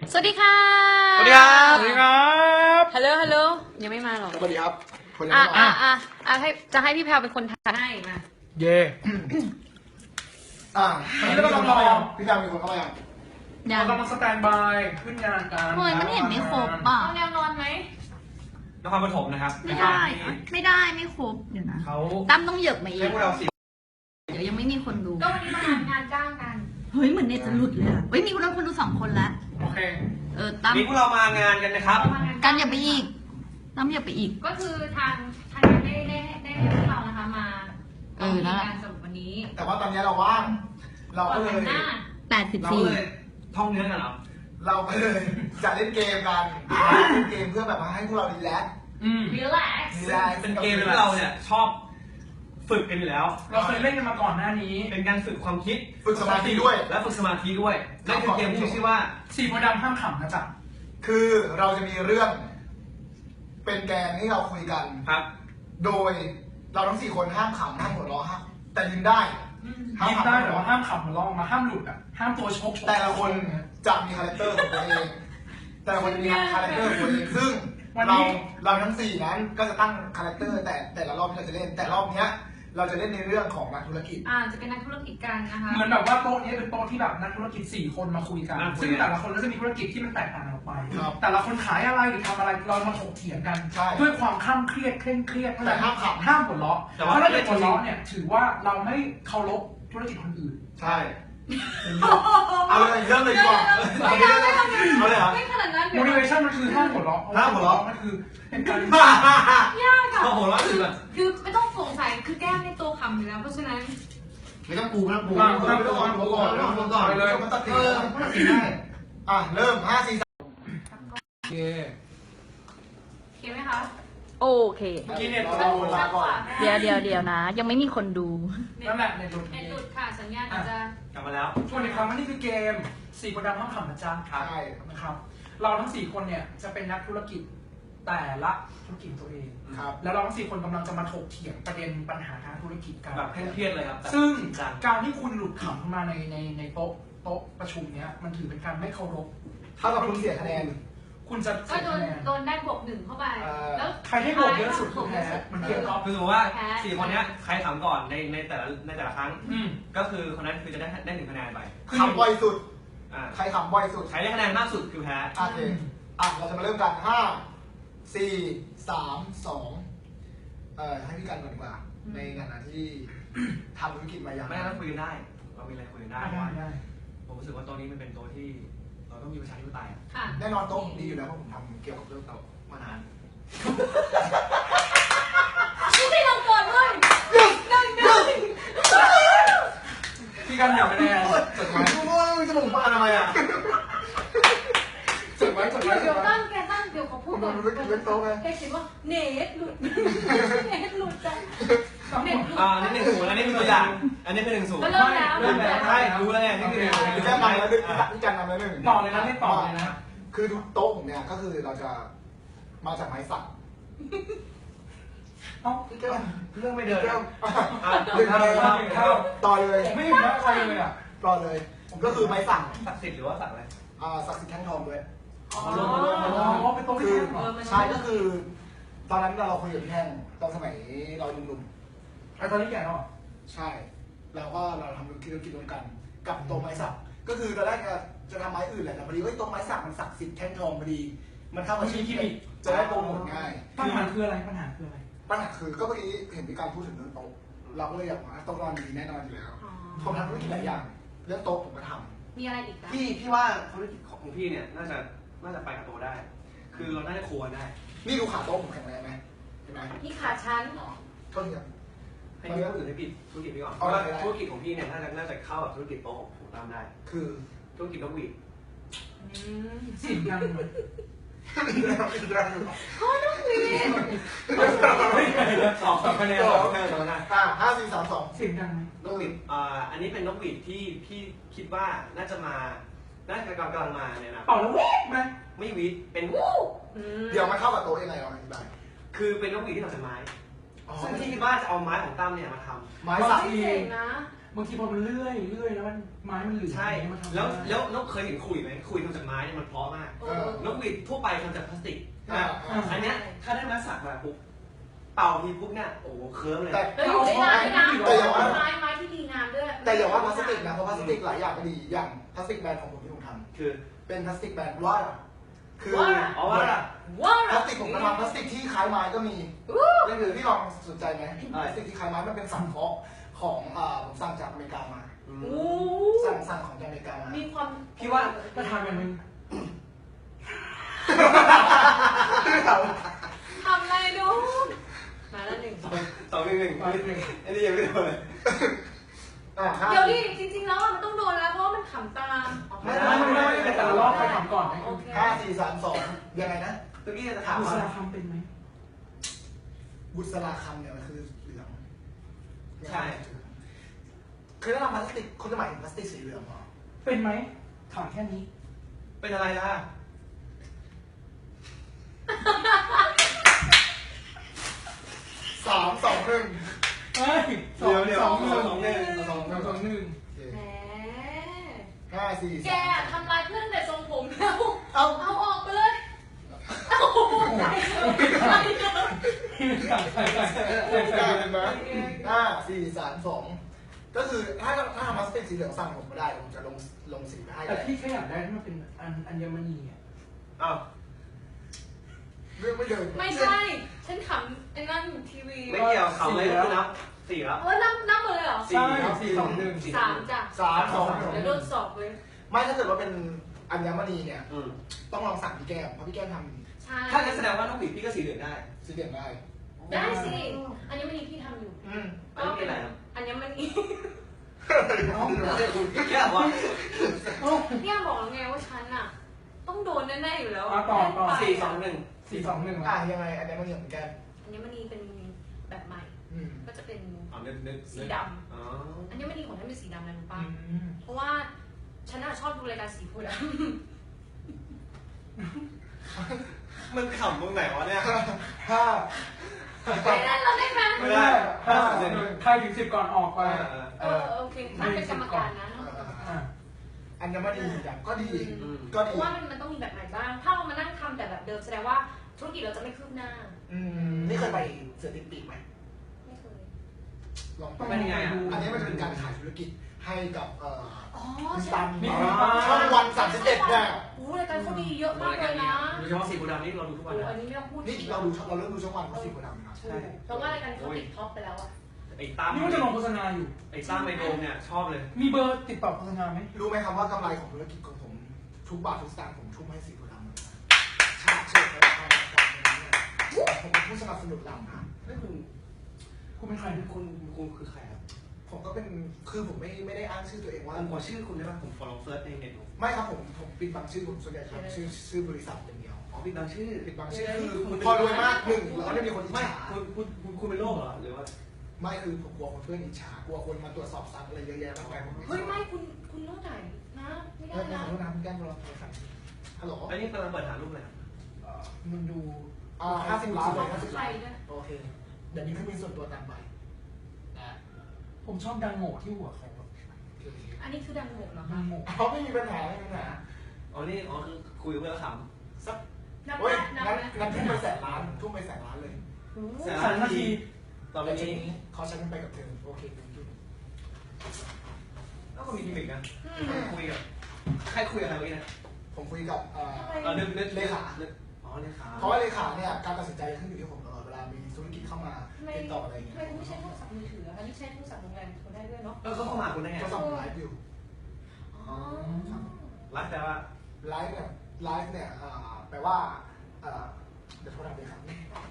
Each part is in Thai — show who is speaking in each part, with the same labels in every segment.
Speaker 1: สวัสดีค่ะ
Speaker 2: สวัสดีครับ
Speaker 3: สวัสดีครับ
Speaker 1: ฮัลโหลฮัลโหลยังไม่มาหรอก
Speaker 2: สวัสดีครับคนยังไม่มา
Speaker 1: จะให้พี่แพลวเป็นคนทายให้มา
Speaker 3: เย่
Speaker 2: วันนี้เรากำลังรอพี่ดาวมีคนเข้ามาอย่าง
Speaker 3: เรากำลังสแตนบายขึ้นงานกัน
Speaker 4: เฮ้ยมันเห็นไม่ครบอ่ะ
Speaker 1: เอาแนวนอนไหม
Speaker 5: นครปฐมนะครับ
Speaker 4: ไม่ได้ไม่ได้ไม่ครบเดี๋ยวนะ
Speaker 5: เขา
Speaker 4: ตั้มต้องเหยิบมาอี
Speaker 5: ให้
Speaker 4: ก
Speaker 5: พวกเราสิ
Speaker 4: เดี๋ยวยังไม่มีคนดู
Speaker 1: ก็วันนี้มาทำงานจ้างกัน
Speaker 4: เฮ้ยเหมือนเน็ตจะหลุดเลยอะเฮ้ยมีคนดู2 คนแล้ว
Speaker 3: โอเค
Speaker 4: ตั้ม
Speaker 5: นี่พวกเรามางานกันนะครับ
Speaker 1: ประมาณนั้น
Speaker 4: กันอย่าไปอีกตั้มอย่าไปอีก
Speaker 1: ก็คือทางได้ให้พวกเรานะคะมา
Speaker 4: นั่นแหละ
Speaker 1: การสรุปวันนี้
Speaker 2: แต่ว่าตอนนี้เราว่าง เราก็เลย
Speaker 1: หน้า
Speaker 5: เราก็เลยท่องเนื้อกันเหรอ
Speaker 2: เราก็เลยจะเล่นเกมกันเล่นเกมเพื่อแบบว่าให้พวกเรารีแลกซ์
Speaker 1: รีแลกซ์
Speaker 2: รีแลกซ์
Speaker 5: เป็นเกมที่เราเนี่ยชอบฝึกกันอยู่แล้ว
Speaker 3: เราเคยเล่นกันมาก่อนหน้านี้
Speaker 5: เป็นการฝึกความคิด
Speaker 2: ฝึกสมาธิด้วย
Speaker 5: และฝึกสมาธิด้วยนั่นคือเกมที่มีชื่อว่า
Speaker 3: สี่โพธิ์ดำห้ามขำนะจ๊ะ
Speaker 2: คือเราจะมีเรื่อง เป็นแกนให้เราคุยกัน
Speaker 5: ครับ
Speaker 2: โดยเราทั้ง4 คนห้ามขำห้ามหัวเราะห้ามแต่ยิ้มได้ห้าม
Speaker 3: ยิ้ม
Speaker 2: ขำ
Speaker 3: ได้แต่ว่าห้ามขำมันลองมาห้ามหลุดอ่ะห้ามตัวชก
Speaker 2: แต่ละคนจะมีคาแรคเตอร์ของตัวเอง แต่ละคนจะมีคาแรคเตอร์ของตัวเองซึ่งเราทั้ง4นั้นก็จะตั้งคาแรคเตอร์แต่ละรอบที่เราจะเล่น แต่รอบเนี้ยเราจะเล่นในเรื่องของนักธุรกิจ
Speaker 1: จะเป็นนักธุรกิจกันนะคะ
Speaker 3: เหมือนแบบว่าโต๊ะนี้เป็นโต๊ะที่แบบนักธุรกิจ4 คนมาคุยกัน ซึ่งแต่ละคนก็จะมีธุรกิจที่มันแตกต่างกันออกไป
Speaker 2: ครับ
Speaker 3: แต่ละคนขายอะไรหรือทำอะไรเรามาถกเถียงกัน
Speaker 2: ใช่
Speaker 3: ด้วยความข้ามเครียดเคร่งเครียด
Speaker 2: แต่ห้ามขำ
Speaker 3: ห้ามหัวเราะเพราะถ้าเกิดหัวเราะเนี่ยถือว่าเราไม่เคารพธุรกิจคนอื่น
Speaker 2: ใช่ เอาเลยเริ่มเลยดีกว่า
Speaker 1: ไม่ได้ไม่ทำ
Speaker 2: เอาเลยเหรอ
Speaker 1: ไม่ขนาดนั้น
Speaker 3: motivation มันคือห้ามหัวเราะ
Speaker 2: ห้ามหัวเราะ
Speaker 3: มันคือเป็นการ
Speaker 1: ยากอะ
Speaker 5: โอ้โหแล้วคือแบบ
Speaker 1: คือไม่ต้องสงสัยคือแก้มในตัวคำอยู่แล้วเพราะฉะนั้น
Speaker 2: ไม่ต้องปูไม่ต้องปูไม่ต้องก่อนผมก่อนผมก่อนเลยมันตัดสินได้เริ่ม5 4 3
Speaker 3: โอเค
Speaker 1: โอเคไหมคะ
Speaker 4: โอเค
Speaker 2: เมื่อกี้เนี่ยเราลาก่อน
Speaker 4: เดี๋ยวนะ ยังไม่มีคนดู
Speaker 3: นั่นแหละในหลุด
Speaker 1: เน็ตหลุดค่ะสัญญาณอาจจะ
Speaker 5: กลับมาแล้ว
Speaker 3: ช่วงในครั้งนี้คือเกม4 โพธิ์ดำห้ามขำนะจ๊ะ
Speaker 2: ใช่
Speaker 3: นะครับ เราทั้ง4 คนเนี่ยจะเป็นนักธุรกิจแต่ละธุรกิจตัวเอง
Speaker 2: ครับ
Speaker 3: แล้วเราทั้ง4 คนกำลังจะมาถกเถียงประเด็นปัญหาทางธุรกิจกัน
Speaker 5: แบบเคร่งเครียดเลยครับแบบ
Speaker 3: ซึ่ง
Speaker 5: จริจัง
Speaker 3: การที่คุณหลุดขำขึ้นมาในโต๊ะประชุมเนี้ยมันถือเป็นการไม่เคารพ
Speaker 2: ถ้าเราคุณเสียคะแนน
Speaker 3: คุณจะ
Speaker 1: ก็
Speaker 3: เสีย
Speaker 1: โดน
Speaker 3: คะแนน
Speaker 1: โดนได้บวก1เข้าไป แล้ว
Speaker 3: ใครให้บวกเยอะสุดคือแพ้มันเกมกอล์ฟ
Speaker 5: คือสมมติว่า4 คนเนี้ยใครถามก่อนในแต่ละครั้ง
Speaker 3: อืม
Speaker 5: ก็คือคนนั้นคือจะได้1 คะแนนไป
Speaker 2: ขำบ่อยสุด
Speaker 5: อ่า
Speaker 2: ใครขำบ่อยสุด
Speaker 5: ใครได้คะแนนมากสุดคือแพ้
Speaker 2: โอเคเราจะมาเริ่มกัน 5 4 3 2ให้พี่กันก่อนดีกว่า ในฐานะที่ทำธุรกิจมาอย่าง
Speaker 5: ไม่งั้นเราคุยกันได้ เรามีอะไรคุยกันได้
Speaker 3: ได้ได้
Speaker 5: ผมรู้สึกว่าโต๊ะนี้มันเป็นโต๊ะที่เราต้องมีประชาธิปไตยอะ
Speaker 1: ค่ะ
Speaker 2: แน่นอนโต๊ะผมดีอยู่แล้วเพราะผมทำเกี่ยวกับเรื่องโต๊ะมานาน
Speaker 1: ไม่ลงก่อนด้วย
Speaker 3: พี่กันอย่าคะแนน
Speaker 2: จดไว้จมูกปลาทำไมอ่ะจดไว้
Speaker 1: เดี๋ยวตั้งแกตั้งเดี๋ยวขอพูดก่อน
Speaker 2: มันไม่เป็นโต๊ะไง
Speaker 1: แกคิดว่าเนทหลุดเนทหลุดจังเนทหลุด
Speaker 5: อันนี้1-0อันนี้เป็นตัวอย่าง อันนี้เป็น1-0
Speaker 1: ก็เริ่มแล้ว
Speaker 5: เริ่มแล้วใช่รู้แล้วเนี่ยนี่คือ
Speaker 2: พี่แค่นำแล้วพี่กันนำแล้วหนึ่ง
Speaker 3: ต่อเลยนะเล่นต่อเลยนะ
Speaker 2: คือโต๊ะผมเนี่ยก็คือเราจะมาจากไม้สัก
Speaker 3: เอ้า
Speaker 2: พี่แก้ว
Speaker 5: เรื่องไม่เดิน
Speaker 2: แก้ว
Speaker 5: หนึ่งเท่า
Speaker 2: ต่อเลย
Speaker 3: ผมไม่เห็นหน้าใครเลยอ่ะ
Speaker 2: ต่อเลย ก็คือไม้สัก
Speaker 5: ศักดิ์สิทธิ์หรือว่าศักดิ์อะไร
Speaker 2: ศักดิ์สิทธิ์แท่งทองด้วย
Speaker 1: อ๋อ
Speaker 3: อ๋อเป็นโต๊ะ
Speaker 2: คื
Speaker 3: ที่
Speaker 2: อ
Speaker 3: แข่งเหรอ
Speaker 2: ใช่ก็คือ ตอนนั้นเราคุยกับพี่แท่งตอนสมัยเราหนุ่ม
Speaker 3: ไอ้ตอนนี้แก่แล้วเหรอ
Speaker 2: ๆใช่แล้วก็เราทำธุรกิจร่วมกัน กับโต๊ะไม้สักก็คือตอนแรกจะทำไม้อื่นแหละแต่พอดีโต๊ะไม้สักมันศักดิ์สิทธิ์แท่งทองพอดี มันเข้ามาชี้ที่จะได้โปรโมทง่าย
Speaker 3: ปัญหาคืออะไรปัญหาคืออะไร
Speaker 2: ปัญหาคือก็เมื่อกี้เห็นพี่การพูดถึงเรื่องโต๊ะเราก็เลยอยากว่าโต๊ะนอนดีแน่นอนอยู่แล้ว
Speaker 1: อ๋อ
Speaker 2: ผมทำธุรกิจหลายอย่างเรื่องโต๊ะผมก็ท
Speaker 1: มีอะไรอีกคะ
Speaker 5: พี่ว่าธุรกิจของพี่เนี่ยน่าจะไปกับตัวได้ คือเราน่าจะควรได้
Speaker 2: ำนี่ดูขาโต๊ะผมแข็งแรงไหมเห็นไหม
Speaker 1: นี่ขาชั้น
Speaker 2: อ๋อโทษทีครับ
Speaker 5: ให้พี่คนอื่นให้ปิดธุรกิจพี่ก่อนเพ
Speaker 2: เอา
Speaker 5: ราะ
Speaker 2: ได้
Speaker 5: ว่าธุรกิจของพี่เนี่ยน่าจะเข้ากับธุรกิจโต๊ะของตามได้
Speaker 2: คือ
Speaker 5: ธุรกิจนกหวีด
Speaker 3: เสียงดังไหม
Speaker 5: 2 คะแนน2 คะแนน2 คะแนน
Speaker 2: 5 4 3 2
Speaker 3: เสียงดังไหม
Speaker 5: นกหวีดอันนี้เป็นนกหวีดที่พี่คิดว่าน่าจะกำลังมาเนี่ยนะ
Speaker 3: เป่าแล้วเว้ยไหม
Speaker 5: ไม่หวีดเป็นวู้
Speaker 2: เดี๋ยวมันเข้ากับโต๊ะยังไงเราอธิบาย
Speaker 5: คือเป็นนกหวีดที่ทำจากไม้
Speaker 2: อ๋อ
Speaker 5: ซึ่งพี่คิดว่าจะเอาไม้ของตั้มเนี่ยมาทำ
Speaker 2: ไม้สัก
Speaker 1: ไม่เจ๋งนะ
Speaker 3: บางทีพอมันเลื่อยแล้วมันไม้มันเหลือ
Speaker 5: ใช่
Speaker 3: มันทำ
Speaker 5: แล้วเคยเห็นขุยไหมขุยทำจากไม้เนี่ยมันเพราะมาก นกหวีดทั่วไปทำจากพลาสติกอันเนี้ยถ้าได้มาสักมาปุ๊บเป่าทีปุ๊บเนี่ยโอ้โหเคิร์มเลย
Speaker 2: แต่
Speaker 1: แล้วอยู่ได้นานด้วยนะ
Speaker 2: แต่อย่าว่า
Speaker 1: ไม้ที่ดีงามด้วย
Speaker 2: แต่อย่าว่าพลาสติกนะเพราะพลาสติกหลายอย่างก็ดีอย่างพลาสติกแบรนด์ของผมที่ผมท
Speaker 5: คือ
Speaker 2: ำเป็นพลาสติกแบรนด์ว่าคือ
Speaker 5: อ๋อว่า
Speaker 1: ว้าว
Speaker 2: พลาสติกผมก็ทำพลาสติกที่คล้ายไม้ก็มีนั่นคือพี่ลองสนใจไหมพลาสติกที่คล้ายไม้มันเป็นสังเคราะห์ของผมสั่งจากอเมริกามา
Speaker 1: โอ้
Speaker 2: สั่งของจากอเมริกามา
Speaker 1: มีความ
Speaker 5: พี่ว่า
Speaker 3: ก็ทำอย่างนึง
Speaker 1: ทำอะไรดูมาแล้วหนึ่ง
Speaker 5: 2-1อันนี้ยังไม่โดนเลย
Speaker 1: เดี๋ยวดิจริงๆแล้วมันต้องโดนแล้วเพราะว่ามันขำตาม
Speaker 3: ไม่แต่ละรอบไปทำก่อนนะ
Speaker 1: โอเค
Speaker 2: 5 4 3 2ยังไงนะ
Speaker 5: เมื่อกี้จะถาม
Speaker 3: บุษ
Speaker 5: ว่า
Speaker 3: ราคำเป็นไหม
Speaker 2: บุษราคำเนี่ยมันคือเหลือง
Speaker 5: ใช่
Speaker 2: คือถ้าทำพลาสติกคุณจะหมายถึงพลาสติกสีเหลืองเหรอ
Speaker 3: เป็นไหมถามแค่นี้
Speaker 5: เป็นอะไรล่ะ
Speaker 2: 3 2 1
Speaker 3: เฮ้ย
Speaker 5: เดี๋ยว
Speaker 3: สอง
Speaker 5: 2-1
Speaker 3: สองหนึ่ง
Speaker 1: แหม
Speaker 2: 5 4
Speaker 1: แกทำลายเพื่อนแต่ทรงผมแล้ว
Speaker 2: เอา
Speaker 1: เอาออกไปเลยเอาใจเลย
Speaker 3: ใส่
Speaker 2: ได้ไหม5 4 3 2ก็คือถ้าทำพลาสติกสีเหลืองสั่งผมไม่ได้ผมจะลงสีไปให้
Speaker 3: แต่พี่แค่อยากได้ที่มันเป็นอัญมณีอ่ะ
Speaker 5: อ้าว
Speaker 2: เรื่องไม่เดิน
Speaker 1: ไม่ใช่ ฉันขำไอ้นั่นอยู่ทีวี
Speaker 5: ไม่เกี่ยวเขาเลยคือนับ4แล้ว
Speaker 1: เออนับหมดเลยเหรอ
Speaker 3: ใช่4-2-1
Speaker 1: 3จ้ะ
Speaker 2: 3 2
Speaker 1: เดี๋ยวโดนสอบเลย
Speaker 2: ไม่ถ้าเกิดว่าเป็นอัญมณีเนี่ย
Speaker 5: อืม
Speaker 2: ต้องลองสั่งพี่แก้มเพราะพี่แก้มท
Speaker 1: ใช่
Speaker 5: ถ้างั้นแสดงว่านกหวีดพี่ก็สีเหลืองได้
Speaker 2: ำสีเหลืองได้
Speaker 1: ได้สิ อันนี้มันนี่พี่ทำอยู่
Speaker 5: อันนี้เป็นอะไรครับ
Speaker 1: อันนี้มันนี่
Speaker 5: แค่ว่า
Speaker 1: เนี่ยบอกแล้วไงว่าฉันอะต้องโดนแน่ๆอยู่แล้ว
Speaker 3: ต่อ
Speaker 5: 4-2-1
Speaker 3: 4-2-1
Speaker 2: อ่ะยังไงอัญมณีของพี่แก้ม
Speaker 1: อันนี้มันนี่เป็นแบบใหม่ ก็จะเป็น
Speaker 5: อ๋อนึก
Speaker 1: สีดำ
Speaker 5: อ๋อ
Speaker 1: อันนี้มันนี่ของฉันเป็นสีดำนะรู้ป่ะเพราะว่าฉันอะชอบดูรายการสีโพธิ์ด
Speaker 5: มันขำตรงไหนวะเนี่ย
Speaker 2: ห้า
Speaker 1: ำไม่ได้เราได้ไหม
Speaker 5: ไม่ได้
Speaker 3: ใครถึง10ก่อนออกไป
Speaker 1: โอเคถ้าเป็นกรรมการนะ
Speaker 2: อัญมณีแบบก็ดี
Speaker 1: เพราะว่ามันต้องมีแบบใหม่บ้าง ถ้าเรามานั่งทำแต่แบบเดิมแสดงว่าธุรกิจเราจะไม่คืบหน้า
Speaker 2: นี่เคยไปเสือติดปีกไหม
Speaker 1: ไม่เคย
Speaker 2: ลองไป
Speaker 5: เป็นยังไงอ่ะ
Speaker 2: อันนี้มันจะเป็นการขายธุรกิจให้กับ
Speaker 1: อ๋อ
Speaker 2: คุณ
Speaker 1: ใช่
Speaker 2: ตัน
Speaker 3: มี
Speaker 2: ช่องวัน31เนี่ย
Speaker 1: โอ้รายการเขาดีเยอะมากเลยนะ
Speaker 5: โดยเฉพาะสีบูดำนี่เราดูทุกวัน
Speaker 1: โอ้
Speaker 5: นะ
Speaker 1: อันนี้ไม่ต้องพูด
Speaker 2: นี่เราเริ่มดูช่องวันเพราะสีโพธิ์ดำครับ
Speaker 1: ถูกเพราะว่ารายการเขาติดท็อปไปแล้วอะ
Speaker 5: ไอ้ตั้ม
Speaker 3: นี่มันจะลงโฆษณาอยู่
Speaker 5: ไอ้ตั้มไอโดมเนี่ยชอบเลย
Speaker 3: มีเบอร์ติดต่อโฆษณาไหม
Speaker 2: รู้ไหมครับว่ากำไรของธุรกิจของผมทุกบาททุกสตางค์ผมทุ่มให้สีโพธิ์ดำหมดเลยชาติเชิดและความรักความเป็นเนี่ยผมเป็นผู้สนับสนุนลำครับ
Speaker 5: ไม่คุณ
Speaker 3: คุณเป็นใคร
Speaker 5: คุณคือใครครับ
Speaker 2: ผมก็เป็นคือผมไม่ได้อ้างชื่อตัวเองว่า
Speaker 5: ผมขอชื่อคุณได้ป่ะผม follow search ในเน็ต
Speaker 2: ไม่ครับผมปิดบังชื่อผมส่วนใหญ่ทำชื่อบริษัทอย่างเดียว
Speaker 5: อ๋อพี่บางชื่อ
Speaker 2: ปิดบังชื่อคือพอรวยมากหนึ่งแล้วก็ไม่มีคนอิจ
Speaker 5: ไม่
Speaker 2: ฉา
Speaker 5: คุณเป็นโรคเหรอหรือว่า
Speaker 2: ไม่คือผมกลัวคนเพื่อนอิจฉากลัวคนมาตรวจสอบทรัพย์อะไรเยอะแยะมากมายผม
Speaker 1: เฮ้ยไม่คุณต้องจ่ายนะไม่ได้
Speaker 2: เฮ้ยข
Speaker 1: นะ
Speaker 2: อโทษนะคุณแก้มเราโทรศัพท์ฮัลโหล
Speaker 5: อันนี้กำลังเปิดหารูปเลย
Speaker 3: มันดู
Speaker 2: 50 ล้านเลย
Speaker 1: เขา
Speaker 2: 50
Speaker 1: ใคร
Speaker 2: ล้าน
Speaker 1: ด้วย
Speaker 2: โอเคเดี๋ยวนี้ขึ้นมีส่วนตัวตามไปนะ
Speaker 3: ผมชอบดังโง่ที่หัวเขา
Speaker 1: อันนี้คือดังโหกเหรอ
Speaker 3: ดั
Speaker 1: คะ
Speaker 3: งโง่
Speaker 2: เขาไม่มีปัญหาไม่มีปัญหา
Speaker 5: อ๋อนี่อ๋อคือคุยเพื่อข
Speaker 2: สัก
Speaker 1: นับ
Speaker 2: เฮ้ย
Speaker 1: นับ
Speaker 2: งั้นทุ่มไป100,000 ล้านทุ่มไป100,000 ล้านเลย
Speaker 5: ำ
Speaker 3: 3 นาที
Speaker 5: ต่อไป
Speaker 2: แต่ที
Speaker 5: นี้
Speaker 2: นี้เขาใช้กันไปกับเธอโอเคคุณดู
Speaker 5: ก็มีกิมมิกนะคุยกับใครคุยกับใครเมื่อกี้นะ
Speaker 2: ผมคุยกับ
Speaker 5: นึก
Speaker 2: เลขา
Speaker 5: อ๋อเลขา
Speaker 2: เพราะว่าเลขาเนี่ยการตัดสินใจขึ้นอยู่ที่ผมตลอดเวลามีธุรกิจเข้ามาติดต่ออะไรอย่างเงี้ย
Speaker 1: ทำไมคุณไม่ใช้โทรศัพท์มือถืออะคะนี่ใช้โทรศัพท์โรงแรมคนได้ด้วยเนาะ
Speaker 5: เขาเข้ามาคุณได้ไง
Speaker 2: เขาสั่งไลฟ์อยู่
Speaker 1: อ๋อ
Speaker 5: ไลฟ์แต่ว่า
Speaker 2: ไลฟ์เนี่ยแปลว่าเดี๋ยวโทรศัพท์เลยครับ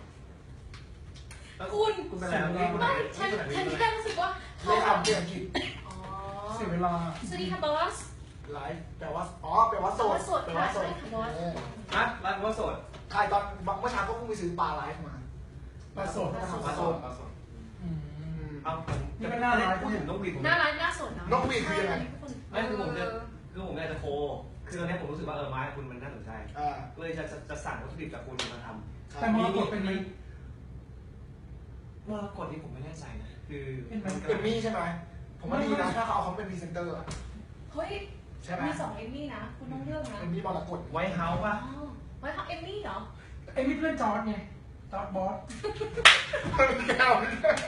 Speaker 5: คุณเป็นอะไร
Speaker 1: ไม่ฉันที่ได้รู้สึกว่า
Speaker 2: เลขาเปลี่ยนอังกฤษ
Speaker 1: อ๋อ
Speaker 3: เสียเวลา
Speaker 1: สวัสดีค่ะบอส
Speaker 2: ไลฟ์แปลว่าแปลว่าโสด
Speaker 1: แปลว่าโสดค่ะบอส
Speaker 5: ฮะไลฟ์ว่าโสด
Speaker 2: ใครตอนเมื่อเช้าก็เพิ่งไปซื้อปลาไลฟ์มา
Speaker 3: ปลาสด
Speaker 5: ปลาโสด เอาผมพูดถึงนกหวีดผม
Speaker 1: หน้าร้านหน้าสดเนาะ
Speaker 2: นกหวีดคือยังไง
Speaker 5: ไม่คือผมอยากจะโคคือตอนนี้ผมรู้สึกว่าไม้คุณมันน่าสนใจเลยจะสั่งวัตถุดิบจากคุณมาทำ
Speaker 3: แต่มรกตเป็นไหม
Speaker 5: มรกตนี่ผมไม่แน่ใจนะคือ
Speaker 2: เอมมี่ใช่ไหมผมว่าดีนะถ้าเขาเอาเขาเป็นพรีเซนเตอร์
Speaker 1: เฮ้ย
Speaker 2: ใช่ไหม
Speaker 1: มี2 เอมมี่นะ คุณต้องเลือกนะ
Speaker 2: เป็นมีบอลกด
Speaker 5: ไวท์เฮาส์ป่ะ
Speaker 1: อ๋อไว้ทำเอมมี่เหรอ
Speaker 3: ไอ้มีเพื่อนจอร์ดไงจอร์ดบอส
Speaker 2: แก้ว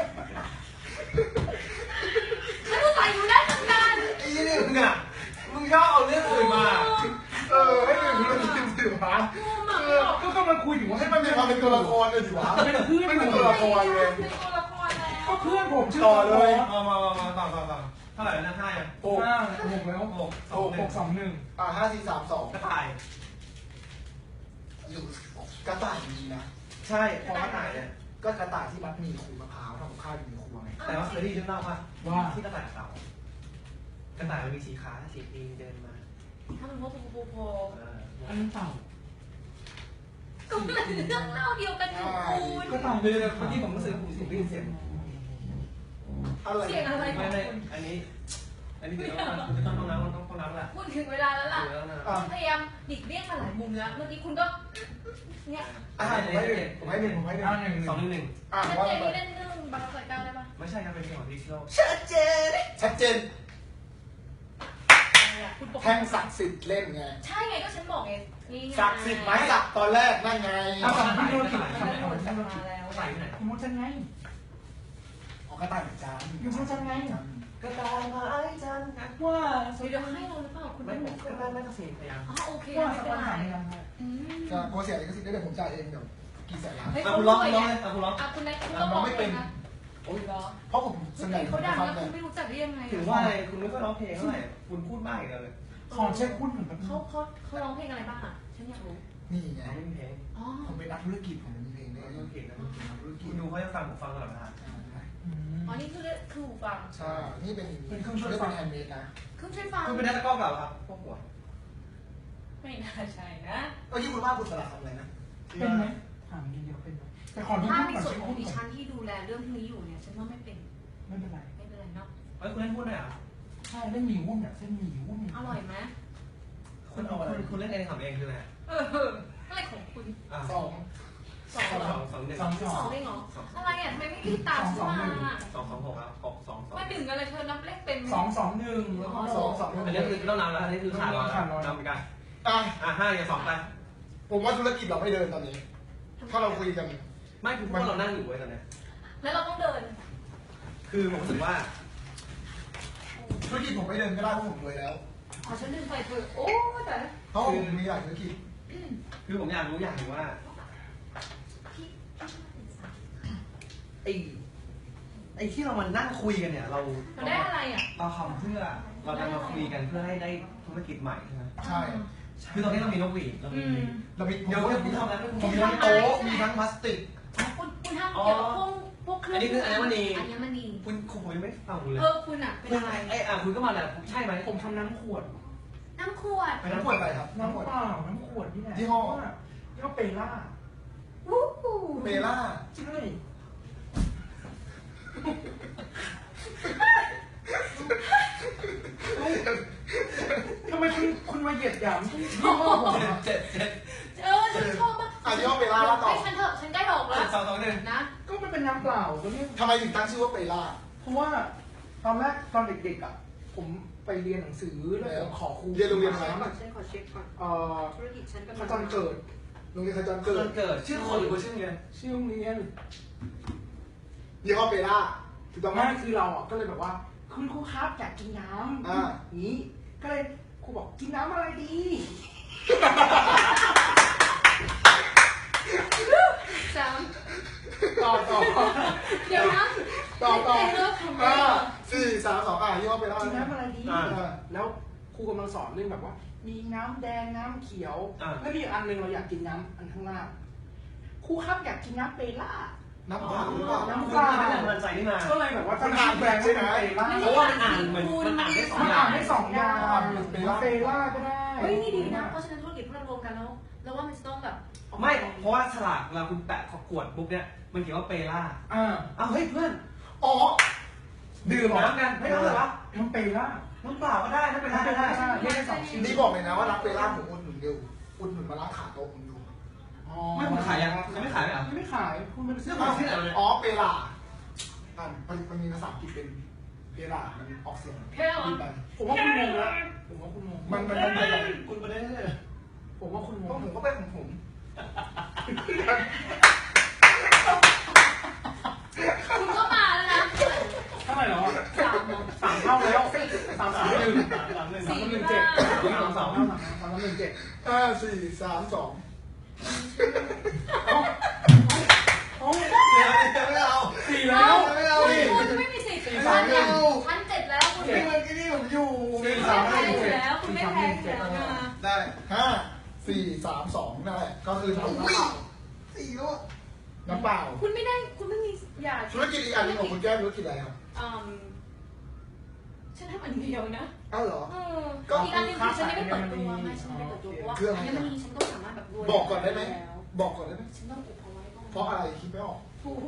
Speaker 1: ฉันก็ใส่อยู่ได้เหมือนกัน
Speaker 5: ไอ้นี่มึงอ่ะมึงชอบเอาเรื่องอื่นมา
Speaker 2: ให้หนึ่งมันเป็นสื่อวะ
Speaker 3: ก็กำลังคุยอยู่ว่า
Speaker 2: ให้มันมีความเป็นตัวละครเลยสิวะ
Speaker 3: เป็นเพื่อน
Speaker 2: ไม่เป็นตัวละครเลย
Speaker 1: เป็นตัวละครแล้ว
Speaker 3: ก็เพื่อนผมชื่อ
Speaker 2: ต่อเลย
Speaker 5: มาต่อเท่าไหร่นะ5อ่ะ
Speaker 2: โอ้
Speaker 3: 6แล้ว 6 2 1
Speaker 2: 5 4 3
Speaker 5: กระต่าย
Speaker 2: 2อยู่กระต่ายมีนะ
Speaker 5: ใช่พอกระต่ายเนี่ย
Speaker 2: ก็กระต่ายที่มัดมีขูดมะพร้าวทำกับข้าวอยู่ในครัวไง
Speaker 5: แต่ว่าเคยได้ยินเรื่องเล่าป่ะ
Speaker 3: ว่า
Speaker 5: ที่กระต่ายเต่ากระต่ายมันมีสีขาสีตีนเดินมา
Speaker 1: ถ้าเป็นพวกโพ
Speaker 3: อันนั้นเต่า
Speaker 1: ก็มันเรื่องเล่าเดียวกันอยู่คุณ
Speaker 3: ก็เต่า
Speaker 5: เมื่อกี้ผมรู้สึกผมได้ยินเสียง
Speaker 2: อะไร
Speaker 1: เสียงอะไรข
Speaker 5: ไม่
Speaker 1: อง
Speaker 5: ไม่
Speaker 1: คุณ
Speaker 5: อันนี้เดี๋ยวต้องน้ำแหละ
Speaker 1: พูดถึงเวลาแล้วล่ะ
Speaker 5: เดี๋ยวนะ
Speaker 1: คุณพยายามหลีกเลี่ยงมาหลายมุมแล้วเมื่อกี้คุณก็เนี่ย
Speaker 2: ผมให้หนึ่ง
Speaker 3: เอา1 1
Speaker 5: 2-1
Speaker 2: อ่ะ
Speaker 1: ชัด
Speaker 2: ว่า
Speaker 1: เจน
Speaker 2: ไป
Speaker 1: นี่เล่นเรื่องบาร์ไซก้าได้ปะ
Speaker 5: ไม่ใช่ครับเป็นเพลงของดิจิทัล
Speaker 2: ชัดเจน
Speaker 1: คุณบอก
Speaker 2: แท่งศักดิ์สิทธิ์เล่นไง
Speaker 1: ใช่ไงก็ฉันบอกไงนี่ไง
Speaker 2: ศักดิ์สิทธิ์ไหมศักดิ์ตอนแรกนั่นไง
Speaker 3: เอาสองพี่โดนผิด
Speaker 1: มันได้หมดมาแล้ว
Speaker 5: ใส่ไหน
Speaker 3: คุณมดจังไง
Speaker 2: ออกกระต่ายเหมือนกัน
Speaker 3: อยู่มดจังไง
Speaker 5: กระต่ายมาไอ้จัน
Speaker 3: ว่า
Speaker 1: เดี๋ยวให้เราหรือเปล่าคุณ
Speaker 5: ไม่
Speaker 1: ไม่
Speaker 5: ผม
Speaker 1: รู้
Speaker 5: ก็ไม่ต้องเสียงพยายาม
Speaker 1: อ๋อโอเค
Speaker 3: ว่า
Speaker 1: ไม่
Speaker 3: สัก
Speaker 1: เป็น
Speaker 3: วัน
Speaker 1: ไร
Speaker 3: หายังไง
Speaker 2: ก็กลัวเสียลิขสิทธิ์ได้เดี๋ยวผมจ่ายเองเดี๋ยวกี่แสนล้าน
Speaker 1: เฮ้ย
Speaker 5: เอา
Speaker 1: เขา
Speaker 5: คุณ
Speaker 1: ร้
Speaker 5: ร้
Speaker 1: อ
Speaker 5: อง ง
Speaker 1: เลย
Speaker 5: ร้อง
Speaker 1: นะ
Speaker 5: เอาคุณร้อง
Speaker 1: อ่ะคุณนายคุณต้องร้องเป็นนะโอ้ยเหรอ
Speaker 2: เพราะผมสนิท
Speaker 1: เขาดัง
Speaker 2: ฟัง
Speaker 1: แล้ว
Speaker 2: เล
Speaker 1: คุ
Speaker 2: ย
Speaker 1: ณไม่รู้จักได้ยังไง
Speaker 5: ถึงว่าอะไรคุณไม่ค่อยร้องเพลงเท่าไหร่คุณพูดมากอีกเลย
Speaker 3: ขอเช็คหุ้นหน่อยแป๊บนึ
Speaker 1: เขา
Speaker 3: ง
Speaker 1: ร้องเพลงอะไรบ้างอ่ะฉันอยากรู้
Speaker 2: นี่ไง
Speaker 5: ร้องไม่มีเพลง
Speaker 1: อ๋อ
Speaker 2: ผมเป็นนักธุรกิจผมมีเพลงด้วย
Speaker 5: ร้องเพลงนะ
Speaker 2: นักธุรกิ
Speaker 5: คุ
Speaker 2: จ
Speaker 5: ณดูเขาจะฟังผมฟังตลอดเวลา
Speaker 1: อ๋อนี่คือหูฟัง
Speaker 2: ใช่นี่เป็นแฮนด์เมดนะ
Speaker 1: เครื่องช่วยฟัง
Speaker 5: คุณเป็นนักตะก้อเก่าครับพวกหัว
Speaker 1: ไม่น่าใช่นะ
Speaker 2: ที่คุณว่าคุณสลับทำอะไรนะ
Speaker 3: เป็นไหมถามนิดเดียวเป็นไหมแต่ขอทุก
Speaker 1: ถ้า
Speaker 3: คน
Speaker 1: ใน
Speaker 3: ก่อน
Speaker 1: ส่วน
Speaker 3: เช็ค
Speaker 1: ของ
Speaker 3: หุ้น
Speaker 1: ดิ
Speaker 3: ก่อ
Speaker 1: ฉั
Speaker 3: น
Speaker 1: นที่ดูแลเรื่องพวกนี้อยู่เนี่ยฉันว่าไม่เป็น
Speaker 3: ไม่เป็นไร
Speaker 1: ไม่เป็นไรเนาะ
Speaker 5: เฮ้ยคุณเล่นพูดหน่อยอ่ะ
Speaker 3: ใช่เล่นหมี่หุ้นอ่ะเส้นหมี่หุ้น
Speaker 1: อร่อยไหม
Speaker 5: คุณเล่นเองทำเองคืออะไร
Speaker 1: อะไรของคุณ
Speaker 2: สอง
Speaker 1: สองเหรอ
Speaker 5: 2 1
Speaker 3: 2
Speaker 1: สองเองเหรออะไรอ่ะทำไมไม่รีบตามฉันมา
Speaker 5: 2 6ครับ6 2
Speaker 1: มาดึงอะไรเธอนับเลขเป็น
Speaker 3: 2 2 1แล้วก็
Speaker 5: 2อันนี้คือต้องนำแล้วอันนี้คือขาดร้อยนำไปกัน 5อย่า2ไป
Speaker 2: ผมว่าธุรกิจเราไม่เดินตอนนี้ ถ้าเราคุยกัน
Speaker 5: ไม่คือพวกเรานั่งอยู่ไว้ตอนนี้
Speaker 1: แล้วเราต้องเดิน
Speaker 5: คือผมรู้สึกว่า
Speaker 2: ธุรกิจผมไม่เดินก็ได้เพราะผมรวยแล้ว
Speaker 1: ขอฉันดึงไปเถอะโอ้แต่
Speaker 2: เพราะผมมีหลายธุรกิจ
Speaker 5: คือผมอยากรู้อย่างหนึ่งว่า ไอ้ที่เรามานั่งคุยกันเนี่ยเรา
Speaker 1: เราได้อะไรอ่ะ
Speaker 5: เราทำเพื่อเราจะมาคุยกันเพื่อให้ได้ธุรกิจใหม่ใช่ไหม
Speaker 2: ใช่
Speaker 5: คือตอนนี้เรามีนกหวีดเรามี
Speaker 2: เรามี
Speaker 5: เดี๋ยวผมทำแล้ว
Speaker 2: ผมมีทั้งโต๊ะมีทั้งพลาสติก
Speaker 1: คุณทำเกี่ยวกับพวกเครื่อง
Speaker 5: อันนี้คืออัญมณี
Speaker 1: อัญมณี
Speaker 5: คุณยังไม่ฟังคุณเลย
Speaker 1: คุณอ่ะเป็น
Speaker 5: คุณ
Speaker 1: อะไร
Speaker 5: คุณก็มาแหละใช่ไหม
Speaker 3: ผมทำน้ำขวด
Speaker 1: น้ำขวด
Speaker 2: ไปทั้งขวดอะไรครับ
Speaker 3: น้ำเปล่าน้ำขวดนี่แหละ
Speaker 2: ยี่ห้อ
Speaker 3: ยี่ห้อเปล่า
Speaker 1: วู้ฮู้
Speaker 2: เบล่า
Speaker 3: ใช่ทำไมคุณมาเหยียดหยามยี่ห้อผม
Speaker 5: เจ็ด
Speaker 1: ฉันชอบมาก
Speaker 2: ยี่ห้อเบล่าแล้วต่อ
Speaker 1: ให้ฉันเถอะฉันใกล้ออกแล้ว
Speaker 5: 2 2 1
Speaker 1: นะ
Speaker 3: ก็มันเป็นน้ำเปล่าตัวนี้
Speaker 2: ทำไมถึงตั้งชื่อว่าเบล่า
Speaker 3: เพราะว่าตอนแรกตอนเด็กๆอ่ะผมไปเรียนหนังสือแล้วขอครู
Speaker 2: เรียนโรงเรียนอะไร
Speaker 1: ฉันขอเช็คก่อนธุรกิจฉันกำ
Speaker 3: ข
Speaker 1: ลัง
Speaker 3: จรเกิด
Speaker 2: โรงเรียนขจร
Speaker 5: เกิ
Speaker 2: เกิ
Speaker 5: ด
Speaker 2: ด
Speaker 5: เกิดชื่อคนหรือชื่อเรียน
Speaker 3: ชื่อโรงเรียน
Speaker 2: ยี่ห้อเบล่าถูกต้องไหม
Speaker 3: ไม่คือเราอ่ะก็เลยแบบว่าคุณครูครับอยากกินน้ำ
Speaker 2: อ่า
Speaker 3: นี้ก็เลยครูบอกกินน้ำอะไรดี
Speaker 1: สาม
Speaker 2: ต่อ
Speaker 1: เดี๋ยวนะ
Speaker 2: ต่อ
Speaker 3: กินน้ำอะไรดี แล้วครูกำลังสอนเรื่องแบบว่า มีน้ำแดงน้ำเขียวแล้วมีอีกอันหนึ่งเราอยากกินน้ำอันข้างล่างครูครับอยากกินน้ำเปล่า
Speaker 2: น้ำเปล่าหรือเปล่า
Speaker 3: น้ำ
Speaker 5: คุณ
Speaker 3: เปล่า
Speaker 5: เป็นแรงบันดาลใจนี่มา
Speaker 3: ก็เลยแบบว่าตั้งชื่อแบรนด์ว่าเป็นเปล่า
Speaker 5: เพราะว่ามันอ่านเหมือนมันอ่านได้2
Speaker 3: มัน
Speaker 5: อย่า
Speaker 3: อ่าง นได้สองอย่างเปล่าก็ได้
Speaker 1: เฮ้ยนี่ดีนะเพราะฉะนั้นธุรกิจพวกเรารวมกันแล้วแล้วว่ามันจะต้องแบบ
Speaker 5: ไม่เพราะว่าฉลากเราคุณแปะขวดปุ๊บเนี่ยมันเขียนว่าเปล่า
Speaker 3: อ่า
Speaker 5: อ้าวเฮ้ยเพื่อน
Speaker 2: อ๋อ
Speaker 5: ดื่มน้ำกันไม่ต้องเลยเหรอ
Speaker 3: น้ำเปล่า
Speaker 5: น้ำเปล่าก็ได้น้ำเปล่าก็ได้
Speaker 3: เรียกได้สองชื่อ
Speaker 2: นี่บอกเลยนะว่ารักเบล่าผมอุดหนุนเดียวอุดหนุนมาล้างขาโต๊ะผมดู
Speaker 5: ไม่คุณขายยังไม่ขายไหมอ่ะ
Speaker 3: ไม่ขายคุณเป็น
Speaker 5: ซื้อมาที่ไหนเนี่ย
Speaker 2: อ๋อเบล่ามันมีภาษาอังกฤษเป็นเพลามันออกเสียง
Speaker 1: เพลา
Speaker 2: ดีไป
Speaker 3: ผมว่าคุณงงแล้วผมว่าคุณงง
Speaker 2: มันไปไหน
Speaker 5: คุณประเด็นเลย
Speaker 3: ผมว่าคุณง
Speaker 2: เพราะ
Speaker 3: ง
Speaker 2: ผมก็ไปของผม
Speaker 1: คุณก็มาแล้วนะ
Speaker 3: เท่าไหร่แล้วอ่ะ
Speaker 1: 3
Speaker 3: 3 เท่าแล้ว3 3 1
Speaker 5: 3-1
Speaker 3: 3 1 7 3 7
Speaker 2: 5 4 3 2
Speaker 3: โอ้ย
Speaker 5: ไม่เอา
Speaker 3: 4แล้ว
Speaker 2: ไม่เอาดิ
Speaker 1: คุณไม่มีสิทธิ์
Speaker 3: 3 1
Speaker 1: ชั้นเจ็ดแล้วคุณ
Speaker 2: นี่มันที่นี่ผมอยู่
Speaker 1: ไม่แพ้อยู่แล้ว คุณไม่แพ้อยู่แล้วนะ
Speaker 2: ได้5 4 3 2นั่นแหละก็คือทำน้ำเปล่า4แล้วน้ำเปล่า
Speaker 1: คุณไม่ได้คุณไม่มีอย่า
Speaker 2: ธุรกิจอีกอันหนึงของคุณแก้มธุรกิจอะไรครับ
Speaker 1: ฉันทำอันเดียวนะ
Speaker 2: อ้าวเหรอ
Speaker 1: ก็อีกอันหนึงคือฉันยังไม่เปิดตัวไงฉันยังไม่เปิดตัวเพราะว่าอัญมณีฉันก็สามารถแบบรวย
Speaker 2: บอกก่อนได้ไหม
Speaker 1: แล้ว
Speaker 2: บอกก่อนได้ไหม
Speaker 1: ฉันต้องอุบเอาไว้ก่อน
Speaker 2: เพราะอะไรคิดไม่ออก
Speaker 1: ถูก